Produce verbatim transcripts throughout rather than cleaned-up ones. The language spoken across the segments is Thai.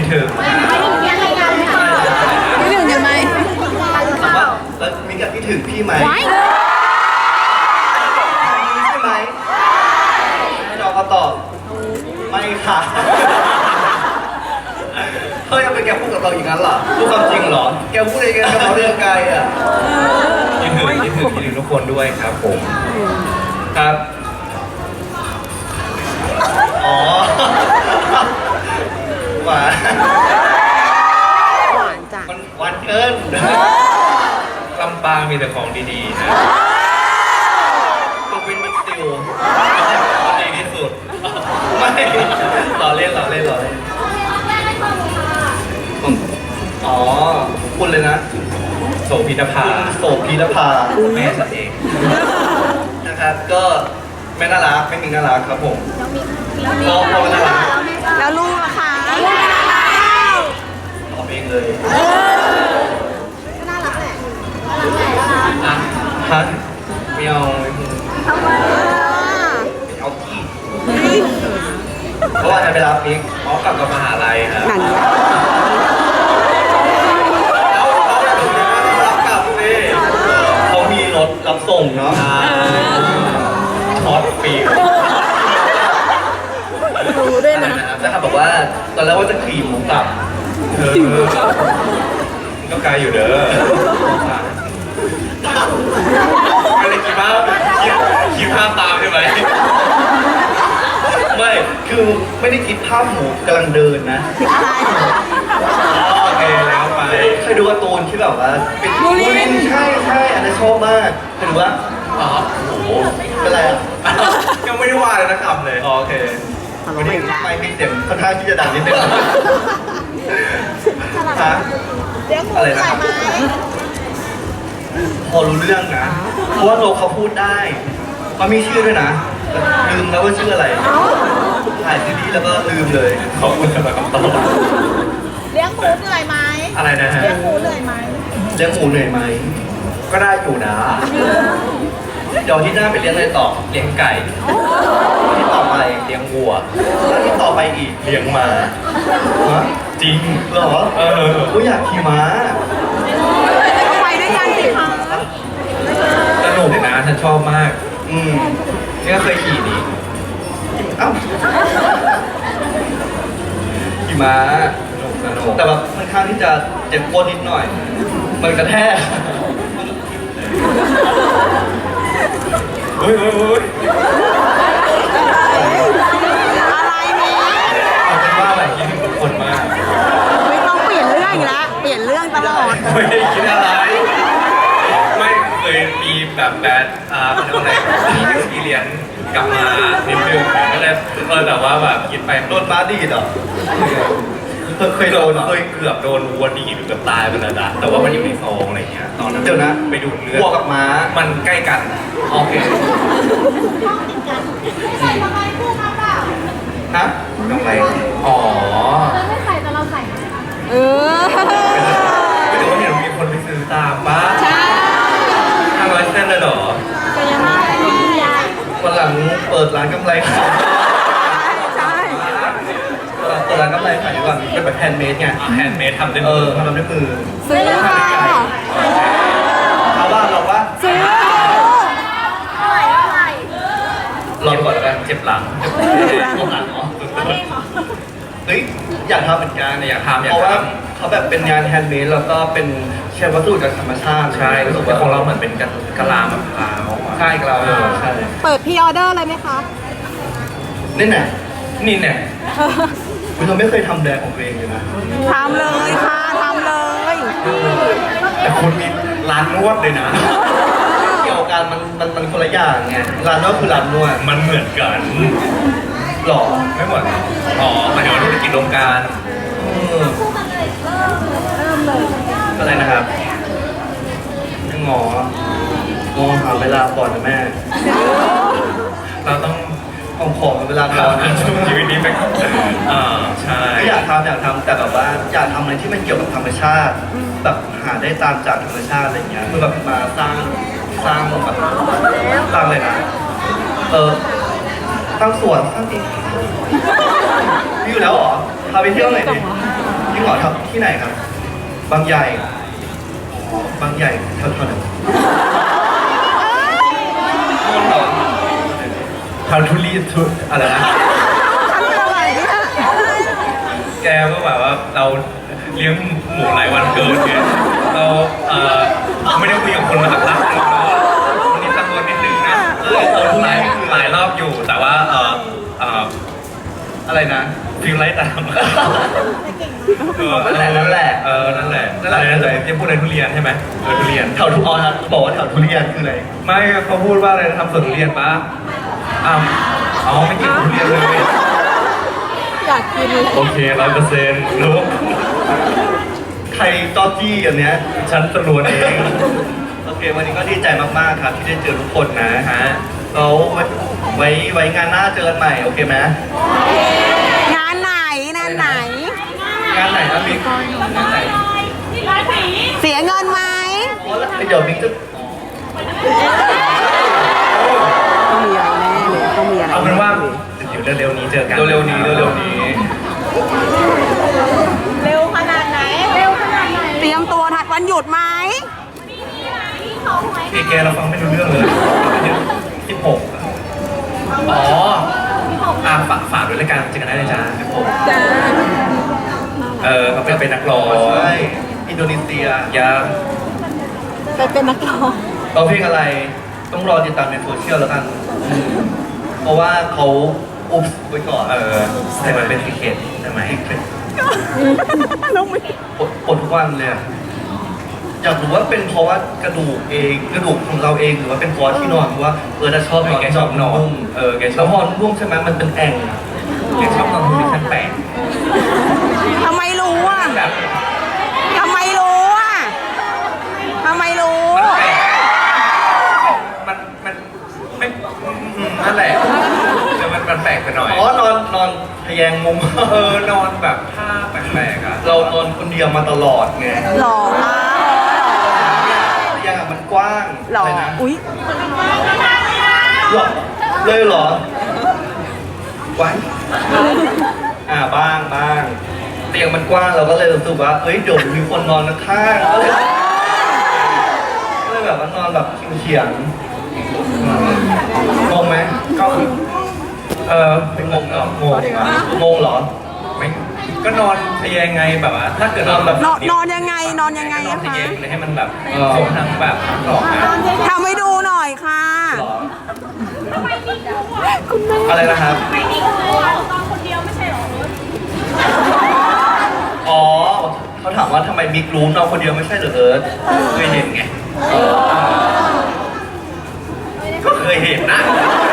ถึงไม่ถึงยังไงกันค่ะไม่ถึงยังไงถามว่าแล้วมิกกับพี่ถึงพี่ไหมไว้ใช่ไหมให้น้องเขาตอบไม่ค่ะเฮ้ยยังเป็นแกพูดกับเราอย่างนั้นเหรอพูดความจริงเหรอแกพูดอะไรกันกับเราเรื่องไกลอ่ะยินถึงยินถึงยินถึงทุกคนด้วยครับผมครับอ๋อหวานหวานจ้ะมันหวานเกินลำปางมีแต่ของดีๆนะตัวเป็นมิกซิลดีที่สุดไม่หล่อเล่นหล่อเล่นหล่อเล่นอ๋อคุณเลยนะโสพีนภาโสพีนภาแม่สัตว์เองนะครับก็ไม่น่ารักไม่มีน่ารักครับผมพอพอน่ารักแล้วลูกล่ะคะตอบเองเลยก็น่ารักแหละอ่ะฮะไม่เอาทำไมเอาที่เพราะว่าจะไปรับมิกอ๋อกลับกับมหาลัยครับนั่นแล้วเขาจะถึงรับกลับสิเขามีรถรับส่งเนาะช็อตฟรีรู้ด้วยนะนะครับบอกว่าตอนแรกว่าจะขี่หมูกลับเออก็ไกลอยู่เด้อไม่ได้คิดว่าคิดคิดภาพตามใช่ไหมไม่คือไม่ได้คิดภาพหมูกำลังเดินนะโอเคแล้วไปเคยดูการ์ตูนที่แบบว่าเป็นบูลินใช่ใช่อันนั้นชอบมากเคยดูว่าอ๋อโอ้โหเป็นไรอ่ะยังไม่ได้ว่าเลยนะครับเลยโอเควันนี้ไม่มีเสียงค่อนข้างที่จะดังนิดนึงฮะเลี้ยงหมูอะไรใส่นะไหมพอรู้เรื่องนะ เพราะว่าโลเขาพูดได้เขามีชื่อด้วยนะแต่ลืมแล้วว่าชื่ออะไรถ่ายซีรีส์แล้วก็ลืมเลยขอบคุณสำหรับคำตอบเลี้ยงหมูเหนื่อยไหมอะไรนะฮะเลี้ยงหมูเหนื่อยไหมเลี้ยงหมูเหนื่อยไหมก็ได้อยู่นะเดี๋ยวที่หน้าไปเลี้ยงอะไรต่อเลี้ยงไก่ที่ต่อไปเลี้ยงวัวแล้วที่ต่อไปอีกเลี้ยงม้าฮะจริงเหรอเออกูอยากขี่ม้าก็ไปด้วยกันสิคะสนุกนะฉันชอบมาก อืมนี่ก็เคยขี่นี่เอ้าขี่ม้าสนุกสนุกแต่แบบค่อนข้างที่จะเจ็บปวดนิดหน่อย มันกระแทกเฮ้ยเฮ้ยเฮ้ยอะไรเนี่ยเอาเป็นว่าแบบคิดถึงทุกคนมากไม่ต้องเปลี่ยนเรื่องอีกแล้ว เปลี่ยนเรื่องตลอดไม่ได้คิดอะไร ไม่เคยมีแบบแบดอ่าเป็นอะไรมีเอ็กซ์เพรียนกลับมานิดนึงก็เลยเออแต่ว่าแบบคิดไปโดนบ้าดีดเหรอเคยโดนเคยเกือบโดนวัวดีดเกือบตายไปแล้วนะแต่ว่ามันอยู่ในซองอะไรเงี้ยตอนนั้นเดี๋ยวนะไปดูเลือดวัวกับม้ามันใกล้กันโอเคใส่ทำไมคู่กันเปล่าฮะกำไรอ๋อเราไม่ใส่แต่เราใส่เออไม่รู้ว่าเห็นมีคนไปซื้อตามป้าใช่ห้าร้อยเส้นเลยเหรอแต่ยังไม่ยายวันหลังเปิดร้านกำไรขายใช่เปิดร้านกำไรขายดีกว่าเป็นแบบแฮนด์เมดไงแฮนด์เมดทำด้วยมือทำด้วยมือซื้อค่ะเอาว่าเราว่าซื้อเท่าไหร่เท่าไหร่รอก่อนแล้วกันเจ็บหลังเจ็บหลังเหรอเฮ้ยอยากทำเหมือนกันอยากทำเพราะว่าเขาแบบเป็นงานแฮนด์เมดแล้วก็เป็นใช้วัสดุจากธรรมชาติใช่รู้สึกว่าของเราเหมือนเป็นกะลามะพร้าวใช่กะลามะพร้าวใช่เปิดพรีออเดอร์เลยไหมคะนี่แน่นี่แน่คุณเราไม่เคยทำแบรนด์ของตัวเองเลยนะทำเลยค่ะทำเลยแต่คุณมีร้านนวดเลยนะเกี่ยวกันมันมันมันคนละอย่างไงร้านนวดคือร้านนวดมันเหมือนกันหรอไม่เหมือนอ๋อหมายถึงว่าธุรกิจโรงการคู่กันเลยเริ่มเริ่มเลยอะไรนะครับยังงอมองหาเวลาก่อนนะแม่ เราต้องของของเวลาก่อนช่วงชีวิตนี้ไปก่อนอ่าใช่อยากทำอยากทำแต่แบบว่าอยากทำอะไรที่มันเกี่ยวกับธรรมชาติ แบบหาได้ตามจากธรรมชาติอะไรเงี้ยคือแบบมาสร้างสร้างแบบสร้างเลยนะเออตั้งสวนตั้งเองมีอยู่แล้วเหรอพาไปเที่ยวหน่อยดิพี่หมอทำที่ไหนครับบางใหญ่อ๋อบางใหญ่เท่าเท่าไหร่คนเหรอทำทุเรียนทุอะไรนะทำอะไรเนี่ยแกก็แบบว่าเราเลี้ยงหมูหลายวันเกินไงเราเอ่อไม่ได้คุยกับคนมาสักพักหนึงแล้ววันนี้ตะโกนนิดนึงนะเออเออหลายหลายรอบอยู่แต่ว่าเออเอออะไรนะฟิลไลท์ตามเออนั่นแหละนั่นแหละเออนั่นแหละนั่นแหละนั่นแหละจะพูดในทุเรียนใช่ไหมเออทุเรียนแถวทุอ๋อบอกว่าแถวทุเรียนคืออะไรไม่เขาพูดว่าอะไรนะทำสวนทุเรียนปะอ้าวอ๋อไม่กินทุเรียนเลยอยากกินเลยโอเคร้อยเปอร์เซ็นต์รู้ใครจอจี้อันเนี้ยฉันตรวจเอง โอเค วันนี้ก็ดีใจมาก ๆ ครับ ที่ได้เจอทุกคนนะฮะเราไว้ไว้ไว้งานหน้าเจอกันใหม่ โอเคไหมงานไหนงานไหนงานไหนนะมิกงานไหนเสียเงินไหมอ๋อแล้วเดี๋ยวมิกจะต้องมีอะไรแน่เลยต้องมีอะไรเอาเป็นว่าเดี๋ยวเร็วๆนี้เจอกันเร็วๆนี้เร็วๆนี้เร็วขนาดไหน เร็วขนาดไหนเตรียมตัวถัดวันหยุดไหมพี่แกเราฟังไม่รู้เรื่องเลยสิบหกอ๋ออ่าฝากฝากด้วยรายการเจอกันได้เลยจ้าครับผมจ้าเออเขาเป็นนักร้องใช่อินโดนีเซียยาไปเป็นนักร้องเราเพลงอะไรต้องรอติดตามในโซเชียลแล้วกัน เพราะว่าเขาอุ๊บไว้ก่อนเออแต่มันเป็นซีเคทใช่ไหมน้องไม่ปวดปวดทุกวันเลยอะอยากรู้ว่าเป็นเพราะว่ากระดูกเองกระดูกของเราเองหรือว่าเป็นเพราะที่นอนเพราะว่าเออถ้าชอบนอนแกชอบนอนเออแกชอบแล้วพอนนุ่มใช่ไหมมันเป็นแอ่งแกชอบนอนโพซิชั่นแปลกทำไมรู้อ่ะแบบทำไมรู้อ่ะทำไมรู้มันมันไม่อืมนั่นแหละแต่มันมันแปลกไปหน่อยอ๋อนอนนอนทะแยงมุมเออนอนแบบท่าแปลกๆอ่ะเรานอนคนเดียวมาตลอดไงหล่อมากทะแยงอะมันกว้างหล่ออะไรนะอุ้ยหรอเลยเหรอไว้อ่าบ้างบ้างเตียงมันกว้างเราก็เลยรู้สึกว่าเฮ้ยเดี๋ยวมีคนนอนข้างๆก็เลยก็เลยแบบว่านอนแบบเฉียงๆงงไหมก็เออเป็นงงเหรองงเหรองงเหรอไม่ก็นอนทะแยงไงแบบว่าถ้าเกิดนอนแบบนอนนอนยังไงนอนยังไงนอนอะทะคะแยงเลยให้มันแบบโค้งทั้งแบบทั้งหลอกนะทำให้ดูหน่อยค่ะหรออะไรนะครับไม่มีครูอ่ะตอนคนเดียวไม่ใช่หรออ๋อเขาถามว่าทำไมมิกรู้นอนคนเดียวไม่ใช่เหรอเอิร์ธเคยเห็นไงก็เคยเห็นนะ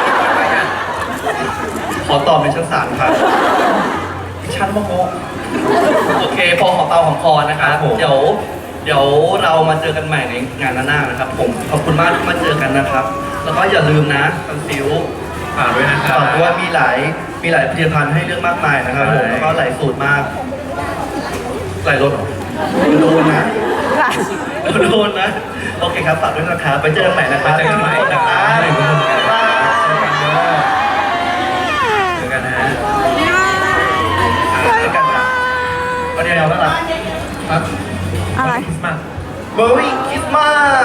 ขอตอบในชั้นศาลครับชั้นโมโหโอเคพอหอมเตาหอมคอนะครับเดี๋ยวเดี๋ยวเรามาเจอกันใหม่ในงานหน้าๆนะครับ ผมขอบคุณมากที่มาเจอกันนะครับ แล้วก็อย่าลืมนะคอนซิลฝากด้วยนะครับฝากด้วยมีหลายมีหลายผลิตภัณฑ์ให้เลือกมากมายนะครับผมแล้วก็หลายสูตรมากหลายรสเหรอโดนนะโดนนะโอเคครับฝากด้วยนะครับไปเจอกันใหม่นะครับเจอกันใหม่นะครับบ๊ายบายเจอกันนะเจอกันนะวันนี้เราแล้วล่ะครับอะไรคริสต์มาสเบอร์รี่คริสต์มาส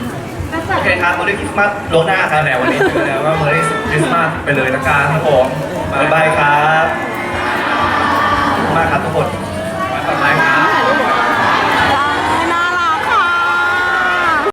โอเคครับเบอร์รี่คริสต์มาสล่วงหน้าครับแต่วันนี้เจอแล้วว่าเบอร์รี่คริสต์มาสไปเลยละกันครับผม